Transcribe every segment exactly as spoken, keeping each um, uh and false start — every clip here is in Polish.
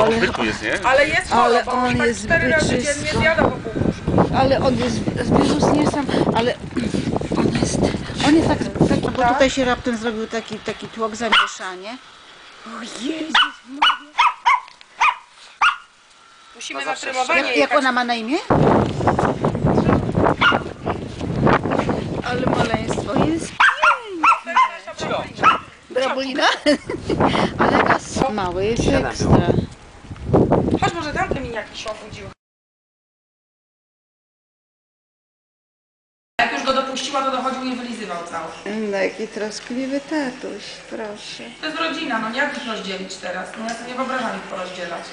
ale, odwyku jest, nie? Ale jest ale chora, on tak jest cztery razy dziennie zjada po pół puszki. Ale on jest wirus nie sam, ale on jest, on jest taki, taki bo Tak? tutaj się raptem zrobił taki, taki tłok, zamieszanie. O Jezus Maria. Musimy na trymowanie Jak, jak ona ma na imię? Ale maleństwo jest piękne. Brabulina? Ale gaz mały jest ekstra. Chodź, może tamte miniaki się obudziły. Jak już go dopuściła, to dochodził i wylizywał cały. No jaki troskliwy tatuś, proszę. To jest rodzina, no jak ich rozdzielić teraz? No ja sobie nie wyobrażam ich porozdzielać.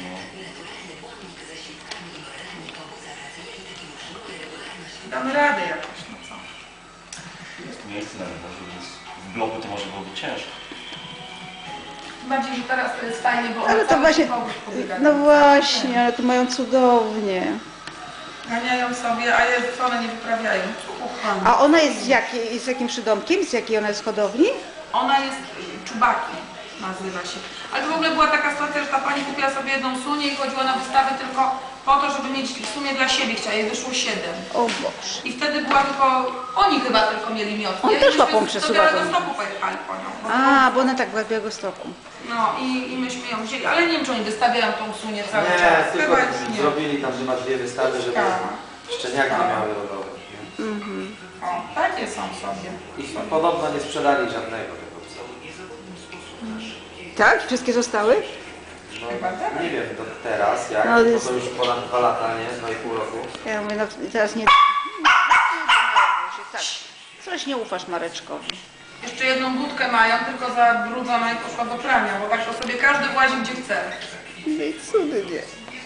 Damy radę jakoś, no co? Jest miejsce na dworze, więc w bloku to może byłoby ciężko. Bardziej, że teraz to jest fajnie, bo Ale one to właśnie, no właśnie, ale to mają cudownie. ganiają sobie, a jest, co one nie wyprawiają. Ucha. A ona jest z, jakiej, z jakim przydomkiem? Z jakiej ona jest hodowli? Ona jest czubaki, nazywa się. Ale to w ogóle była taka sytuacja, że ta pani kupiła sobie jedną sunię i chodziła na wystawę tylko po to, żeby mieć w sumie dla siebie, chciała, jej wyszło siedem. O Boże. I wtedy była tylko, oni chyba tylko mieli miotkę. On też łapą Do przesuwa. Białegostoku pojechali po nią. Bo A, bo ona tak była w Białegostoku. No i, i myśmy ją wzięli, ale nie wiem, czy oni wystawiają tą sunię cały Nie, czas. tylko Chyba już nie. zrobili tam chyba dwie wystawy, żeby Tak. szczeniaki Tak. miały rodowe. Mhm. O, takie są sobie. I podobno nie sprzedali żadnego tego psa. Tak? Wszystkie zostały? No, Chyba tak. nie wiem do teraz jak, No, bo jest- to już ponad dwa lata, nie? Dwa i pół roku. Ja mówię, no teraz nie... Tak. Coś nie ufasz Mareczkowi. Jeszcze jedną budkę mają, tylko zabrudzona i poszła do prania, bo tak to sobie każdy włazi gdzie chce. No i cudnie.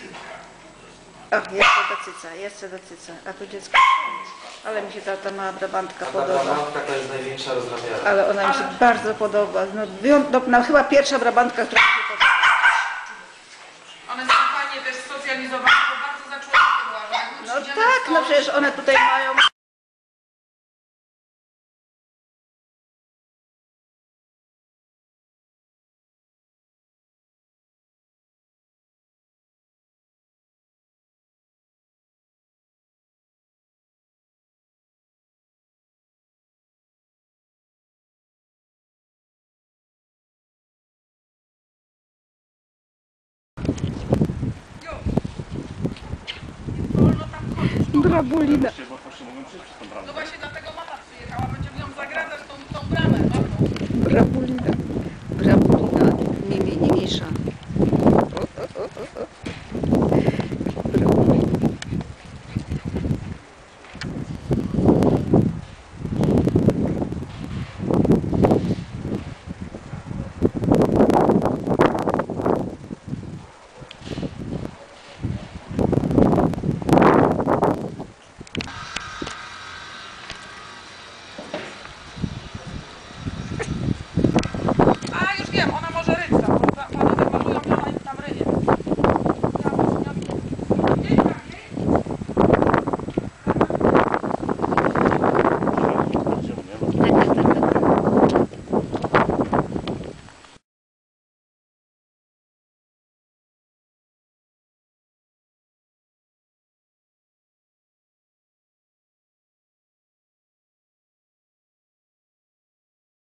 O, jeszcze do cyca, jeszcze do cyca. A tu dziecko. Ale mi się ta, ta mała brabantka A ta podoba. brabantka to jest największa rozrabiara. Ale ona mi się Ale- bardzo podoba. No, wyją- no, no chyba pierwsza brabantka, która mi się podoba. One są fajnie też socjalizowane, bo bardzo za człowiekiem łażą. Jak my No przyjdziemy tak, z no tą- przecież one tutaj mają... Brabulina. Bo właśnie mogą przyjść przez tą bramę. No właśnie dlatego mama przyjechała, będziemy ją zagradzać tą, tą bramę. No. Brabulina. Brabulina. Mimi, nie Misza.